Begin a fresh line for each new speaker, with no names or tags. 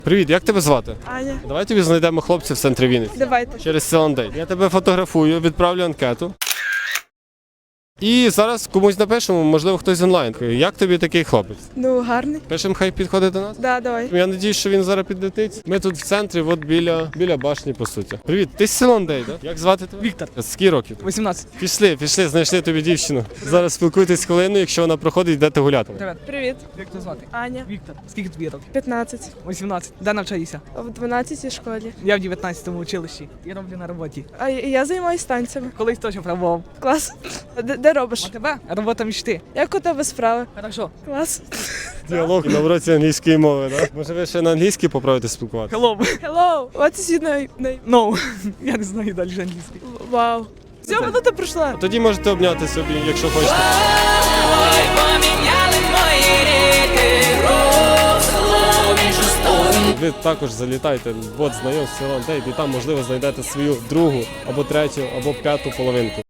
Привіт, як тебе звати?
Аня,
Давай тобі знайдемо хлопців в центрі Вінниці.
давайте.
Через Селандей. Я тебе фотографую, відправлю анкету. І зараз комусь напишемо, можливо, хтось онлайн. Як тобі такий хлопець?
Ну, гарний.
Пишемо, хай підходить до нас?
Да, давай.
Я надіюсь, що він зараз підлетить. Ми тут в центрі, от біля башні, по суті. Привіт, ти з Селандей, так? Як звати тебе?
Віктор.
Скільки років?
18.
Пішли, знайшли тобі дівчину. Зараз спілкуйтесь хвилину, якщо вона проходить, йдете гуляти.
Привет.
Привіт.
Як тебе звати?
Аня.
Віктор. Скільки тобі років?
15.
18. Де навчаєшся?
В 12 школі.
Я в 19-му училищі і роблю на роботі.
А я займаюся танцями.
Колись теж пробував.
Клас. Де робиш?
А тебе? Робота мечти.
Як у тебе справи?
Хорошо.
Клас.
Діалог на уроці англійської мови, так? Може ви ще на англійській попробуйте спілкуватися?
Hello.
Hello. What is your name?
No. Я не знаю далі англійський.
Вау. Все, минута пройшла.
Тоді можете обняти собі, якщо хочете.
Ой, поміняли мої ріки, русло в іншу сторону.
Ви також залітайте в бот знайомств Селандей, і там, можливо, знайдете свою другу, або третю, або п'яту половинку.